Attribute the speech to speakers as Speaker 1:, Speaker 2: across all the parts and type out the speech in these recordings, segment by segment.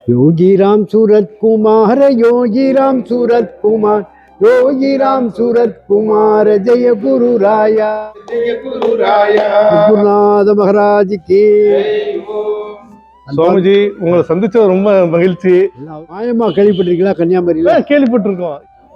Speaker 1: योगी राम सूरत कुमार, योगी राम सूरत कुमार, योगी राम सूरत कुमार, जय गुरु राया, जय गुरु राया, गुरुनाथ महाराज की.
Speaker 2: சுவாமிஜி, உங்களை சந்திச்சது ரொம்ப மகிழ்ச்சி.
Speaker 1: மாயமா கேள்விப்பட்டிருக்கீங்களா? கன்னியாகுமரியில
Speaker 2: கேள்விப்பட்டிருக்கோம்.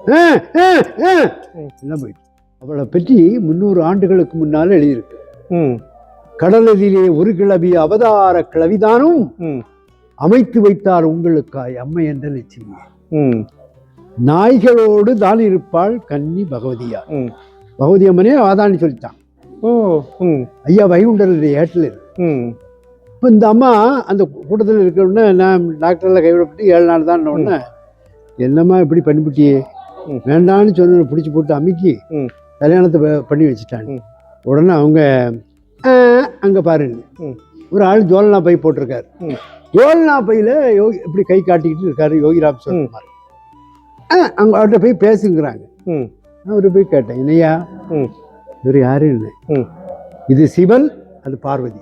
Speaker 1: அவளை பற்றி 300 ஆண்டுகளுக்கு முன்னால எழுதியிருக்கு. கடலதிலே ஒரு கிளவி அவதார கிளவிதானும் அமைத்து வைத்தார் உங்களுக்காய் அம்மை என்ற லட்சுமி. நாய்களோடு தான் இருப்பாள் கன்னி பகவதியா. பகவதி அம்மனே வாதான்னு சொல்லிட்டான். ஐயா வைகுண்டருடைய ஏட்டில் இருக்கு. இப்போ இந்த அம்மா அந்த கூட்டத்தில் இருக்கிற நான் டாக்டரில் கைவிடப்பட்டு 7 நாள் தான் உடனே என்னம்மா இப்படி பண்ணிவிட்டியே, வேண்டான்னு சொன்ன பிடிச்சி போட்டு அமுக்கி கல்யாணத்தை பண்ணி வச்சுட்டாங்க. உடனே அவங்க அங்கே பாருங்க, ஒரு ஆள் ஜோல்னா பை போட்டிருக்காரு. ஜோல்னா பையில் யோகி இப்படி கை காட்டிக்கிட்டு இருக்காரு யோகிராம் சொல்லுமாரு. அங்கே அவர்கிட்ட போய் பேசுங்கிறாங்க. அவர்கிட்ட போய் கேட்டேன், என்னையா இவர் யாரும் இல்லை, இது சிவன், அது பார்வதி,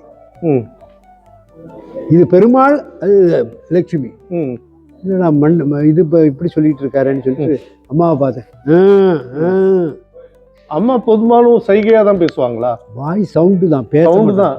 Speaker 1: இது பெருமாள், அது லட்சுமி. இல்லைடா இது இப்போ இப்படி சொல்லிட்டு இருக்காருன்னு சொல்லிட்டு அம்மாவை பார்த்தேன்.
Speaker 2: அம்மா பொதுவாலும் சைகையா தான் பேசுவாங்களா?
Speaker 1: வாய் சவுண்டு தான்,
Speaker 2: சவுண்டு தான்.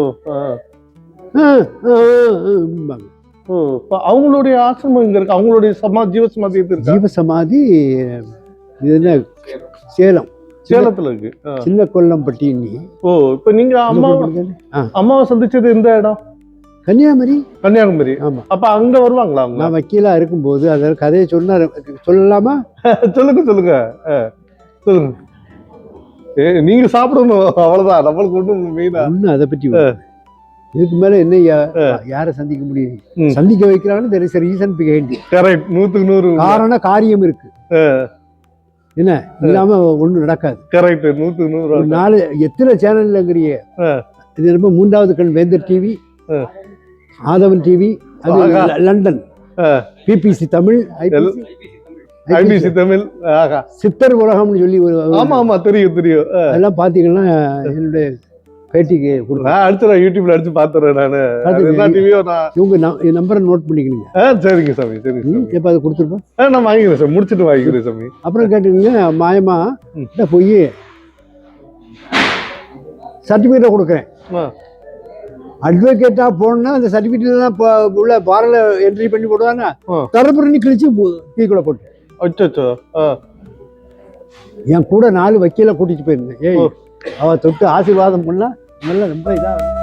Speaker 2: அவங்களுடைய ஆசிரமம் இங்க இருக்கு, அவங்களுடைய ஜீவசமாதி இருக்கு.
Speaker 1: ஜீவசமாதி இது என்ன, சேலம்,
Speaker 2: சேலத்துல இருக்கு,
Speaker 1: சின்ன கொல்லம்பட்டி.
Speaker 2: இப்ப நீங்க அம்மாவை சந்திச்சது எந்த இடம்?
Speaker 1: கன்னியாகுமரி.
Speaker 2: கன்னியாகுமரி.
Speaker 1: ஆமா.
Speaker 2: அப்ப அங்க வருவாங்களா?
Speaker 1: நான் வக்கீலா இருக்கும்போது அத கதையை சொல்லலாமா?
Speaker 2: சொல்லுங்க சொல்லுங்க சொல்லுங்க. நீங்க சாப்பிடணும், அவ்வளவுதான். நம்மளுக்கு ஒண்ணு
Speaker 1: அதை பற்றி இதுக்கு மேல என்ன யாரை சந்திக்க முடியும்? சந்திக்க வைக்கிறான்னு there is a reason behind it.
Speaker 2: Correct. 100க்கு 100
Speaker 1: காரண காரியம் இருக்கு. என்ன இல்லாம ஒண்ணு நடக்காது.
Speaker 2: கரெக்ட். 100க்கு 100.
Speaker 1: நாலு எத்தனை சேனல்ங்கிறிய? இது ரொம்ப 3வது கண் வேந்தர் டிவி, ஆதவன் டிவி, அது London, BBC Tamil,
Speaker 2: IBC Tamil,
Speaker 1: Siddhar உலகம்னு சொல்லி
Speaker 2: ஆமா ஆமா தெரியும் தெரியும்.
Speaker 1: அதெல்லாம் பாத்தீங்கன்னா என்னுடைய பேட்டிக்கு கொடுப்பேன்.
Speaker 2: அடுத்து நான் யூடியூப்ல அடிச்சு பாத்துறேன்.
Speaker 1: இவங்க நம்பரை நோட் பண்ணிக்கணுங்க.
Speaker 2: சரிங்க சாமி, சரி.
Speaker 1: எப்ப அதை கொடுத்துருப்பேன்,
Speaker 2: நான் வாங்கிக்கிறேன் சார், முடிச்சுட்டு வாங்கிக்கிறேன் சாமி.
Speaker 1: அப்புறம் கேட்டுங்க, மாயமா போய் சர்டிபிகேட்டை கொடுக்குறேன். அட்வொகேட்டா போனா அந்த சர்டிபிகேட் உள்ள பாரல என்ட்ரி பண்ணி போடுவாங்க. தரப்புறி கிழிச்சு தீக்குள்ள போட்டு
Speaker 2: அச்சோ.
Speaker 1: என் கூட 4 வக்கீல கூட்டிட்டு போயிருந்தேன். அவ தொட்டு ஆசீர்வாதம் பண்ணா நல்லா ரொம்ப இதா